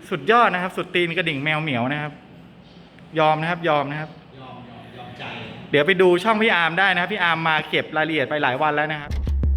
สุดยอดนะครับสุดตีนกระดิ่งแมวเหมียวนะครับยอมนะครับยอมนะครับยอมใจเดี๋ยวไปดูช่องพี่อาร์มได้นะครับพี่อาร์มมาเก็บรายละเอียดไปหลายวันแล้วนะครับ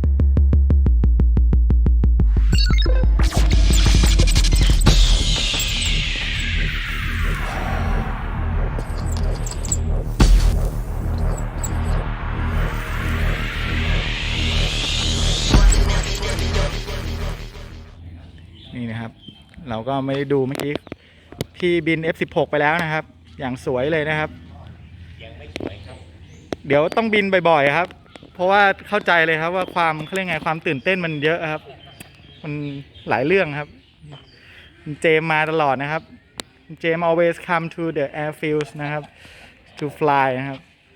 นี่นะครับเราก็ไม่ได้ดูเมื่อกี้พี่บิน F16 ไปแล้วนะครับอย่างสวยเลยนะครับยังไม่สวยครับเดี๋ยวต้องบินบ่อยๆครับเพราะว่าเข้าใจเลยครับว่าความเขาเรียกไงความตื่นเต้นมันเยอะครับมันหลายเรื่องครับเจมมาตลอดนะครับเจม always come to the airfields นะครับ to fly นะครับ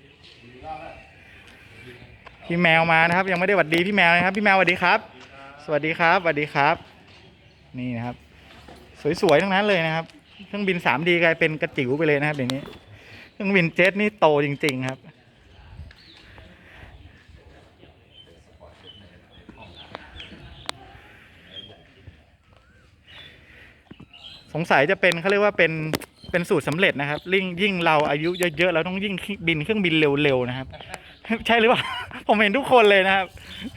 พี่แมวมานะครับยังไม่ได้หวัดดีพี่แมวนะครับพี่แมวสวัสดีครับสวัสดีครับสวัสดีครับนี่นะครับสวยๆทั้งนั้นเลยนะครับเครื่องบิน 3D กลายเป็นกระจิ๋วไปเลยนะครับเดี๋ยวนี้เครื่องบินเจ็ตนี่โตจริงๆครับสงสัยจะเป็นเขาเรียกว่าเป็นสูตรสำเร็จนะครับยิ่งเราอายุเยอะๆเราต้องยิ่งบินเครื่องบินเร็วๆนะครับใช่หรือเปล่าผมเห็นทุกคนเลยนะครับ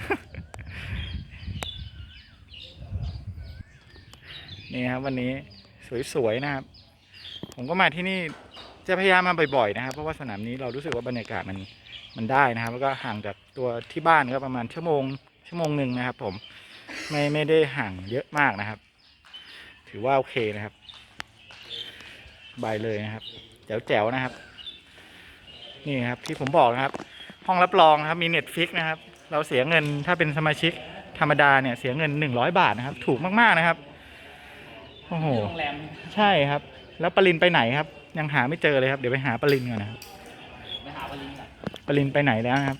นี่ครับวันนี้สวยๆนะครับผมก็มาที่นี่จะพยายามมาบ่อยๆนะครับเพราะว่าสนามนี้เรารู้สึกว่าบรรยากาศมันได้นะครับแล้วก็ห่างจากตัวที่บ้านก็ประมาณชั่วโมงหนึ่งนะครับผมไม่ได้ห่างเยอะมากนะครับถือว่าโอเคนะครับบายเลยนะครับแจ๋วๆนะครับนี่ครับที่ผมบอกนะครับห้องรับรองนะครับมี Netflix นะครับเราเสียเงินถ้าเป็นสมาชิกธรรมดาเนี่ยเสียเงิน100 บาทนะครับถูกมากๆนะครับโอ้โหโรงแรมใช่ครับแล้วปรินไปไหนครับยังหาไม่เจอเลยครับเดี๋ยวไปหาปรินก่อนนะครับไปหาปรินก่อนปรินไปไหนแล้วครับ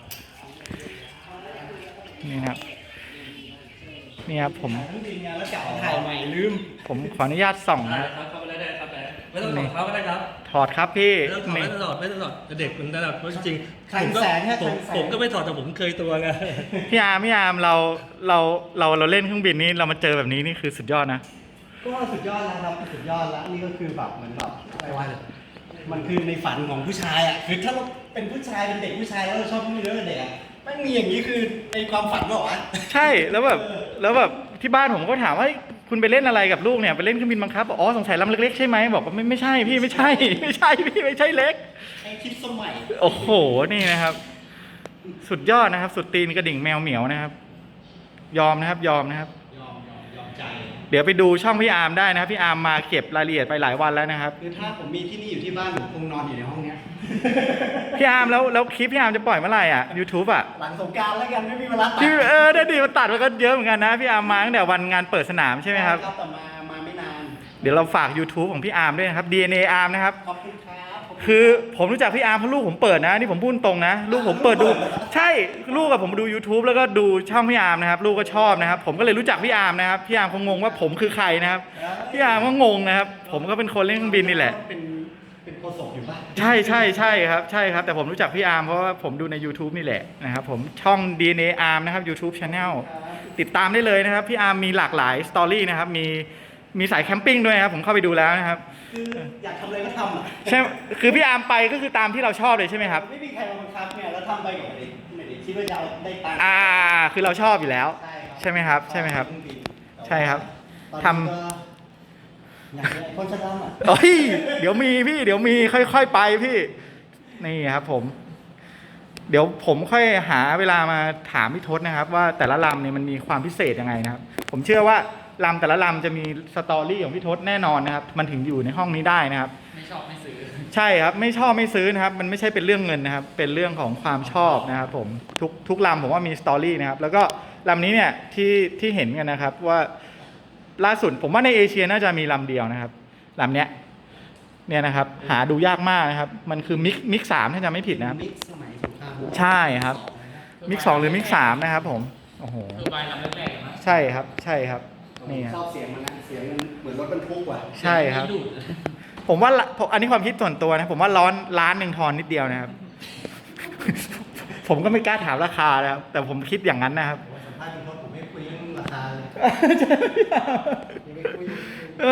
นี่ครับนี่ครับผมแล้วเก่าถ่ายใหม่ลืมผมขออนุญาตส่องนะครับเข้าไปได้ครับไม่ต้องถอดเขาก็ได้ครับถอดครับพี่ไม่ต้องถอดเด็กมันระดับเพราะจริงผมก็ไม่ถอดแต่ผมเคยตัวไงพี่อาร์มเราเล่นเครื่องบินนี้เรามาเจอแบบนี้นี่คือสุดยอดนะก็สุดยอดแล้วครับสุดยอดแล้วนี่ก็คือแบบเหมือนแบบอะไรวะมันคือในฝันของผู้ชายอ่ะคือถ้าเราเป็นผู้ชายเป็นเด็กผู้ชายแล้วเราชอบผู้หญิงแล้วเด็กอ่ะไม่มีอย่างนี้คือในความฝันหรอวะใช่แล้วแบบที่บ้านผมก็ถามว่าคุณไปเล่นอะไรกับลูกเนี่ยไปเล่นเครื่องบินบังคับอ๋อสงสัยลำเล็กๆใช่ไหมบอกว่าไม่ใช่พี่ไม่ใช่พี่ไม่ใช่เล็กไอคิดสมัยโอ้โหนี่นะครับสุดยอดนะครับสุดตีนกระดิ่งแมวเหมียวนะครับยอมนะครับยอมใจเดี๋ยวไปดูช่องพี่อาร์มได้นะครับพี่อาร์มมาเก็บรายละเอียดไปหลายวันแล้วนะครับคือถ้าผมมีที่นี่อยู่ที่บ้านผมคงนอนอยู่ในห้องเนี้ยพี่อาร์มแล้วคลิปพี่อาร์มจะปล่อยเมื่อไหร่อ่ะ YouTube อ่ะหลังสงกรานต์แล้วกันไม่มีเวลาตัดได้ดีมันตัดมันก็เยอะเหมือนกันนะพี่อาร์มมาตั้งแต่วันงานเปิดสนามใช่ไหมครับแต่มาไม่นานเดี๋ยวเราฝาก YouTube ของพี่อาร์มด้วยนะครับ DNA อาร์มนะครับขอบคุณครับคือผมรู้จักพี่อาร์มเพราะลูกผมเปิดนะนี่ผมพูดตรงนะลูกผมเปิดดูใช่ลูกกับผมดู YouTube แล้วก็ดูช่องพี่อาร์มนะครับลูกก็ชอบนะครับผมก็เลยรู้จักพี่อาร์มนะครับพี่อาร์มคงงงว่าผมคือใครนะครับพี่อาร์มก็งงนะครับผมก็เป็นคนเล่นเครื่องบินนี่แหละเป็นโฆษกอยู่ป่ะใช่ครับแต่ผมรู้จักพี่อาร์มเพราะว่าผมดูใน YouTube นี่แหละนะครับผมช่อง DNA Arm นะครับ YouTube Channel ติดตามได้เลยนะครับพี่อาร์มมีหลากหลายสตอรี่นะครับมีสายแคมปิ้งด้วยนะครับผมเข้าไปดูแล้วนะครับคืออยากทำอะไรก็ทำอ่ะใช่คือพี่อาร์มไปก็คือตามที่เราชอบเลยใช่ไหมครับไม่มีใครมาบังคับเนี่ยแล้วทำไปกับไม่ได้คิดว่าจะได้ตังค์คือเราชอบอยู่แล้วใช่ไหมครับใช่ครับทำอย่างคนจะทำอ่ะเดี๋ยวมีค่อยๆไปพี่นี่ครับผมเดี๋ยวผมค่อยหาเวลามาถามพี่ทศนะครับว่าแต่ละลำเนี่ยมันมีความพิเศษยังไงนะครับผมเชื่อว่าลำแต่ละลำจะมีสตอรี่ของพี่ทศแน่นอนนะครับมันถึงอยู่ในห้องนี้ได้นะครับไม่ชอบไม่ซื้อใช่ครับไม่ชอบไม่ซื้อนะครับมันไม่ใช่เป็นเรื่องเงินนะครับเป็นเรื่องของความชอบนะครับผมทุกลำผมว่ามีสตอรี่นะครับแล้วก็ลำนี้เนี่ยที่เห็นกันนะครับว่าล่าสุดผมว่าในเอเชียน่าจะมีลำเดียวนะครับลำเนี้ยเนี่ยนะครับหาดูยากมากนะครับมันคือมิก3ถ้าจำไม่ผิดนะครับใช่ครับมิก2หรือมิก3นะครับผมโอ้โหใช่ครับนี่ชอบเสียงมันนะเสียงมันเหมือนรถบรรทุกว่ะใช่ครับผมว่าอันนี้ความคิดส่วนตัวนะผมว่าล้านหนึ่งทอนนิดเดียวนะครับผมก็ไม่กล้าถามราคานะครับแต่ผมคิดอย่างนั้นนะครับสัมภาษณ์ผมไม่คุยเรื่องราคาเลย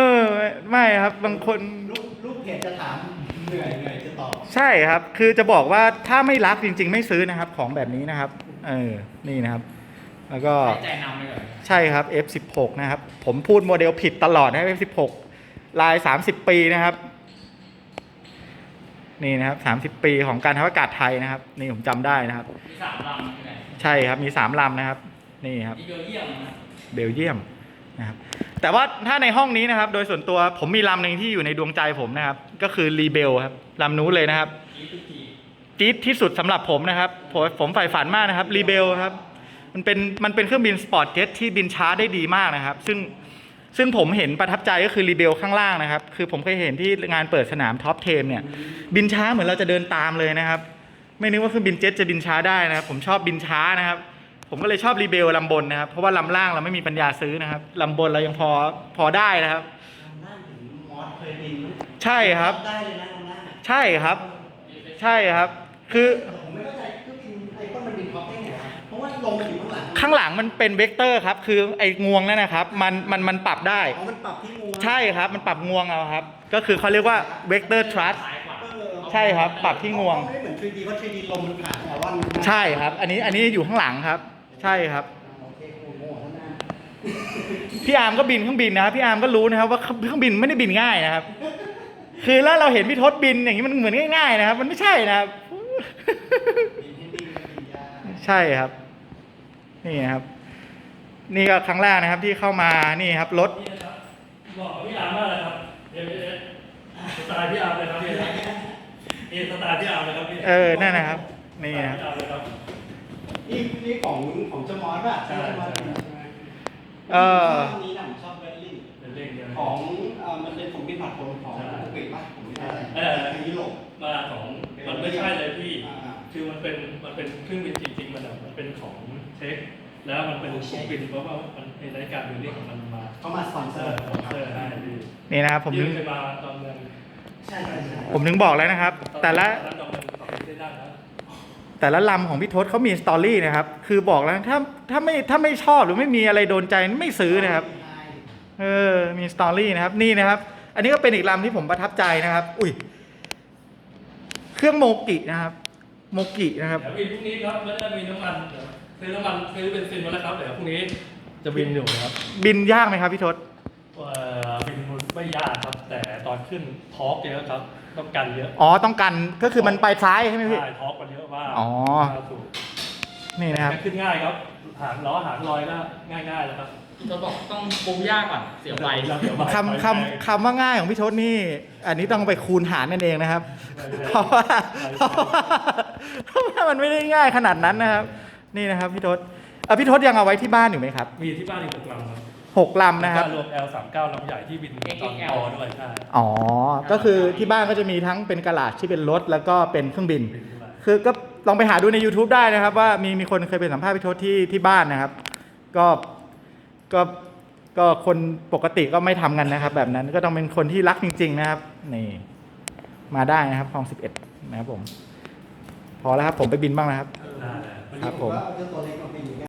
ไม่ครับบางคนลูกเพจจะถามเหนื่อยจะตอบใช่ครับ คือจะบอกว่าถ้าไม่รักจริง ๆ ไม่ซื้อนะครับ ของแบบนี้นะครับนี่นะครับ แล้วก็ใจนำเลยใช่ครับ F16 นะครับผมพูดโมเดลผิดตลอดนะ F16 ลาย30 ปีนะครับนี่นะครับ30 ปีของการทัพอากาศไทยนะครับนี่ผมจำได้นะครับมี3 ลำใช่ครับมี3 ลำนะครับนี่ครับเบลเยียมนะครับแต่ว่าถ้าในห้องนี้นะครับโดยส่วนตัวผมมีลำหนึ่งที่อยู่ในดวงใจผมนะครับก็คือรีเบลครับลำนู้นเลยนะครับจี๊ดที่สุดสำหรับผมนะครับผมใฝ่ฝันมากนะครับรีเบลครับมันเป็นเครื่องบินสปอร์ตเจ็ตที่บินช้าได้ดีมากนะครับซึ่งผมเห็นประทับใจก็คือรีเบลข้างล่างนะครับคือผมเคยเห็นที่งานเปิดสนามท็อป10เนี่ยบินช้าเหมือนเราจะเดินตามเลยนะครับไม่นึกว่าเครื่องบินเจ็ตจะบินช้าได้นะครับผมชอบบินช้านะครับผมก็เลยชอบรีเบลลำบนนะครับเพราะว่าลำล่างเราไม่มีปัญญาซื้อนะครับลำบนเรายังพอได้นะครับใช่ครับใช่ครับใช่ครับคือผมไม่เข้าใจเครื่องบินไอ้ต้นมันบินท็อปได้ไงเพราะว่าลมมันอยู่ข้างหลังข้างหลังมันเป็นเวกเตอร์ครับคือไอ้งวงนั่นนะครับมันปรับได้มันปรับที่งวงใช่ครับมันปรับงวงเอาครับก็คือเขาเรียกว่าเวกเตอร์ทรัสใช่ครับปรับที่งวงไม่เหมือน 3D เพราะ 3D ลมมันผ่านแต่ว่าใช่ครับอันนี้อยู่ข้างหลังครับใช่ครับพี่อาร์มก็บินเครื่องบินนะครับพี่อาร์มก็รู้นะครับว่าเครื่องบินไม่ได้บินง่ายนะครับคือแล้วเราเห็นพี่ทศบินอย่างนี้มันเหมือนง่ายๆนะครับมันไม่ใช่นะครับใช่ครับนี่นะครับนี่ก็ครั้งแรกนะครับที่เข้ามานี่ครับรถบอกพี่อาร์มมากเลยครับสไตล์พี่อาร์มเลยครับพี่สไตล์พี่อาร์มเลยครับพี่นั่นนะครับนี่ครับนี่ของเจ้ามอสป่ะใช่นี้นะผมชอบเบลลิ่งของมันเป็นของบินผัดผลของอังกฤษป่ะผมไม่ได้ทางยุโรปมาของมันไม่ใช่เลยพี่คือมันเป็นเครื่องบินจริงๆมันเป็นของเช็คแล้วมันเป็นเครื่องบินเพราะว่ามันในรายการบินนี่ของมันมาเขามาสปอนเซอร์ให้นี่นะครับผมยืมมาตอนเงินใช่ผมถึงบอกแล้วนะครับแต่ละลำของพี่ทศเขามีสตอรี่นะครับคือบอกแล้วถ้าไม่ชอบหรือไม่มีอะไรโดนใจไม่ซื้อนะครับมีสตอรี่นะครับนี่นะครับอันนี้ก็เป็นอีกลำที่ผมประทับใจนะครับอุ้ยเครื่องโมกินะครับโมกินะครับเดี๋ยวพรุ่งนี้ครับไม่ได้มีน้ำมันซื้อน้ำมันซื้อเบนซินมาแล้วครับเดี๋ยวพรุ่งนี้จะบินอยู่ครับบินยากไหมครับพี่ทศบินไม่ยากครับแต่ตอนขึ้นทอร์กเยอะครับต้องกันเยอะต้องกันก็คือมันไปซ้ายใช่ไหมพี่ใช่ทอร์กมันเยอะมากนี่นะครับขึ้นง่ายครับหางล้อหางลอยก็ง่ายๆแล้วครับเราบอกต้องปรุงยากก่อนเสียไวคำว่าง่ายของพี่ทศนี่อันนี้ต้องไปคูณหารนั่นเองนะครับเพราะว่ามันไม่ได้ง่ายขนาดนั้นนะครับนี่นะครับพี่ทศพี่ทศยังเอาไว้ที่บ้านอยู่ไหมครับมีที่บ้านอีก6 ลำครับ 6 ลำนะครับรวม L39 ลำใหญ่ที่บินตอนโตด้วยใช่ก็คือที่บ้านก็จะมีทั้งเป็นกะลาที่เป็นรถแล้วก็เป็นเครื่องบินคือก็ลองไปหาดูใน YouTube ได้นะครับว่ามีคนเคยเป็นสัมภาษณ์พี่ทศที่บ้านนะครับก็คนปกติก็ไม่ทำกันนะครับแบบนั้นก็ต้องเป็นคนที่รักจริงๆนะครับนี่มาได้นะครับคลอง11นะครับผมพอแล้วครับผมไปบินบ้างนะครับครับผม